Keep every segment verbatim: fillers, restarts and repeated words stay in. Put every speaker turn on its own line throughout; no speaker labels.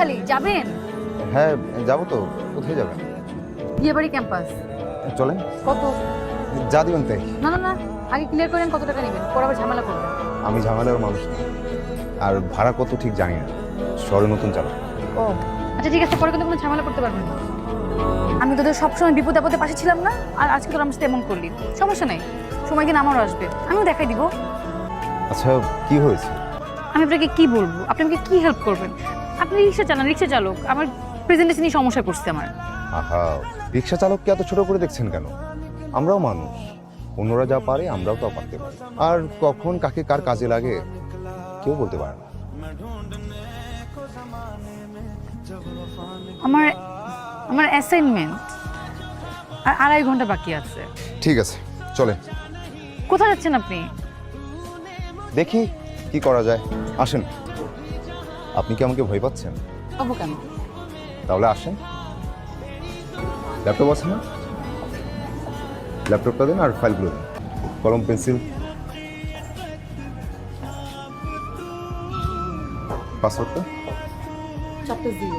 খালি যাবেন?
হ্যাঁ যাবো তো। কোথায় যাবেন?
বিয়েবাড়ি ক্যাম্পাস।
চলেন।
কত?
যা দিবেন তাই।
না না না, আগে ক্লিয়ার করেন কত টাকা নেবেন, পরে আবার ঝামেলা করবেন।
আমি ঝামেলার মানুষ না, আর ভাড়া কত ঠিক জানি না, শহরে নতুন চালক।
ও আচ্ছা ঠিক আছে, পরে কিন্তু কোনো ঝামেলা করতে পারবেন না। আমি তোদের সবসময় বিপদ আপদে পাশে ছিলাম না, আর আজকে তোর আমার সাথে এমন করলি, সমস্যা নেই, সময় দিন আমারও আসবে, আমিও দেখাই দিব।
আচ্ছা কি হয়েছে?
আমি আপনাকে কি বলবো, আপনি আমাকে কি হেল্প করবেন? আপনি রিক্সা চালান, রিক্সা চালক, আমার প্রেজেন্টেশনই সমস্যা করছে আমার।
আহা, রিক্সা চালককে এত ছোট করে দেখছেন কেন? আমরাও মানুষ, অন্যরা যা পারে আমরাও তা পারতে পারি, আর কখন কাকে কার কাজে লাগে কেউ বলতে পারে না।
আমার আমার অ্যাসাইনমেন্ট আর আড়াই ঘন্টা বাকি আছে।
ঠিক আছে চলে।
কোথায় যাচ্ছেন আপনি?
দেখি কি করা যায়, আসেন। আপনি কি আমাকে ভয় পাচ্ছেন?
পাবো কেন?
তাহলে আসেন। ল্যাপটপ আছে না? ল্যাপটপটা দিন আর ফাইলগুলো দিন, কলম পেন্সিল। পাসওয়ার্ডটা?
Chapter zero.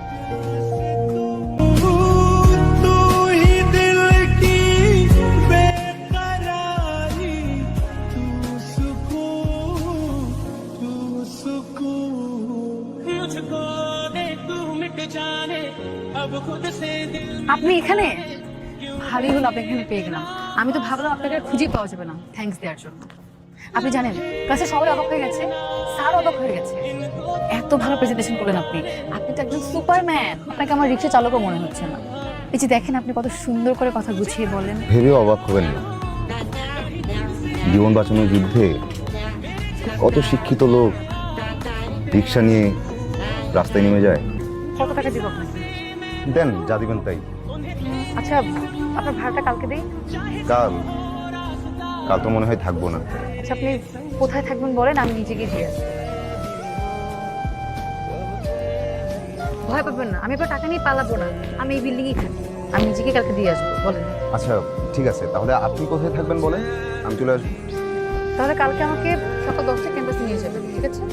আপনি এখানে? ভালোই হলো আপনি এখানে পেয়ে গেলাম। আমি তো ভাবলাম আপনাকে আর খুঁজেই পাওয়া যাবে না থ্যাঙ্কস দেওয়ার জন্য। আপনি জানেন ক্লাসে সবাই অবাক হয়ে গেছে, স্যার অবাক হয়ে গেছে, এত ভালো প্রেজেন্টেশন করলেন আপনি। আপনি তো একজন সুপারম্যান, আপনাকে আমার রিক্সা চালকও মনে হচ্ছে না। এই যে দেখেন আপনি কত সুন্দর করে কথা গুছিয়ে বলেন।
ভেবে অবাক হবেন না, জীবন বাঁচানোর যুদ্ধে কত শিক্ষিত লোক রিক্সা নিয়ে রাস্তায় নেমে যায়।
কত টাকা দিব আপনাকে?
দেন যা দিবেন তাই।
আচ্ছা আপনার ভাড়াটা কালকে দেই।
কাল? কাল তো মনে হয় থাকবো না।
আচ্ছা আপনি কোথায় থাকবেন বলেন, আমি নিজে গিয়ে দিয়ে আসবো। ভয় পাবেন না, আমি আপনার টাকা নিয়ে পালাবো না, আমি এই বিল্ডিংয়েই থাকি, আমি নিজেকে কালকে দিয়ে আসবো। বলেন।
আচ্ছা ঠিক আছে, তাহলে আপনি কোথায় থাকবেন বলেন, আমি চলে আসবো।
তাহলে কালকে আমাকে সকাল দশটা ক্যাম্পাসে নিয়ে যাবেন, ঠিক আছে?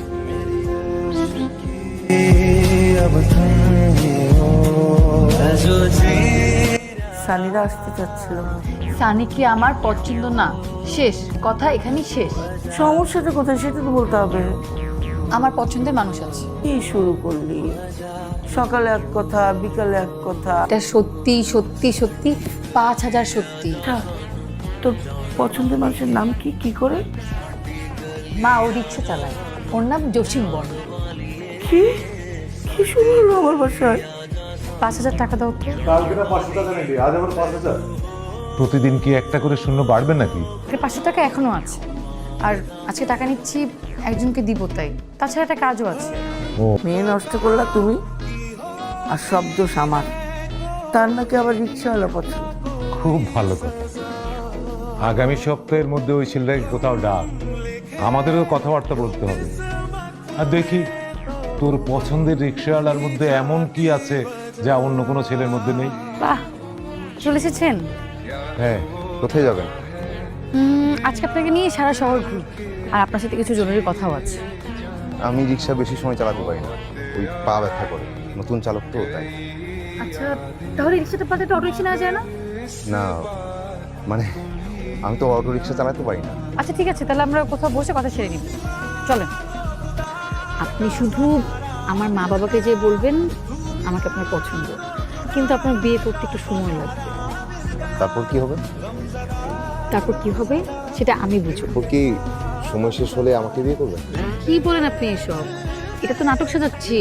সানিরা আসতে চাচ্ছিল।
সানি কি আমার পছন্দ না? শেষ কথা এখানেই শেষ।
সমস্যাটা কোথায় সেটা তো বলতে হবে।
আমার পছন্দের মানুষ আছে।
কি শুরু করলি? সকালে এক কথা, বিকালে এক কথা।
এটা সত্যি সত্যি সত্যি পাঁচ হাজার সত্যি।
আচ্ছা, তোর পছন্দের মানুষের নাম কি? কি করে?
মা ও রিক্সা চালায়, ওর নাম জসিম বর্মা।
কি কি শুরু হলো আমার বাসায়?
পাঁচ হাজার টাকা দাও তো।
কালকে না পাঁচশো টাকা নিবি, আজ আবার পাঁচ হাজার। প্রতিদিন কি একটা করে শূন্য বাড়বে নাকি?
পাঁচশো টাকা এখনো আছে, আর আজকে টাকা নিচ্ছি একজনকে দিব তাই, তাছাড়া একটা কাজও আছে।
ও
মেয়ে নষ্ট করলা তুমি, আর সব দোষ আমার। তার নাকি আবার রিক্সাওয়ালা পছন্দ।
খুব ভালো কথা। আগামী সপ্তাহের মধ্যে ওই ছেলেটাকে কোথাও ডাক, আমাদেরও কথাবার্তা বলতে হবে। আর দেখি তোর পছন্দের রিক্সাওয়ালার মধ্যে এমন কি আছে যা অন্য কোনো ছেলের মধ্যে নেই।
বাহ, চলে এসেছেন?
হ্যাঁ,
কোথায় যাবেন?
উম, আজকে আপনাকে নিয়ে সারা শহর ঘুরি, আর আপনার সাথে কিছু জরুরি কথাও আছে।
আমি রিক্সা বেশি সময় চালাতে পারি না, ওই পা ব্যথা করে, নতুন চালক তো তাই।
আচ্ছা তাহলে রিক্সাটা পাতে অটো রিক্সা নেওয়া যায় না?
না মানে আমি তো অটো রিক্সা চালাতে পারি না।
আচ্ছা ঠিক আছে, তাহলে আমরা কোথাও বসে কথা সেরে নিব, চলেন। আপনি শুধু আমার মা বাবাকে যে বলবেন আমাকে আপনার পছন্দ, কিন্তু আপনার বিয়ে করতে একটু সময় লাগবে।
তারপর কি হবে?
তারপর কি হবে সেটা আমি বুঝবো।
ও কি সময় শেষ হলে আমাকে বিয়ে করবেন?
কি বলেন আপনি এসব? এটা তো নাটক সাজাচ্ছি।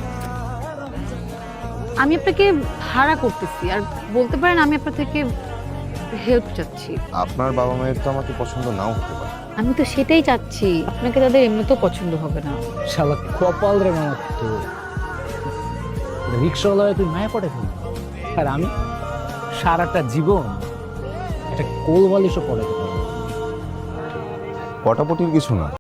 আমি আপনাকে ভাড়া করতেছি, আর বলতে পারেন আমি আপনার থেকে হেল্প চাচ্ছি।
আপনার বাবা মায়ের তো আমাকে পছন্দ নাও হতে পারে।
আমি তো সেটাই চাচ্ছি, আপনাকে তাদের এমনিতেও পছন্দ হবে না।
শালা কপাল রে মানা তো রিক্সাওয়ালা তুই মায়া পড়ে ফেলি, আর আমি সারাটা জীবন একটা কোল বালিশও পড়ে।
পটাপটির কিছু না,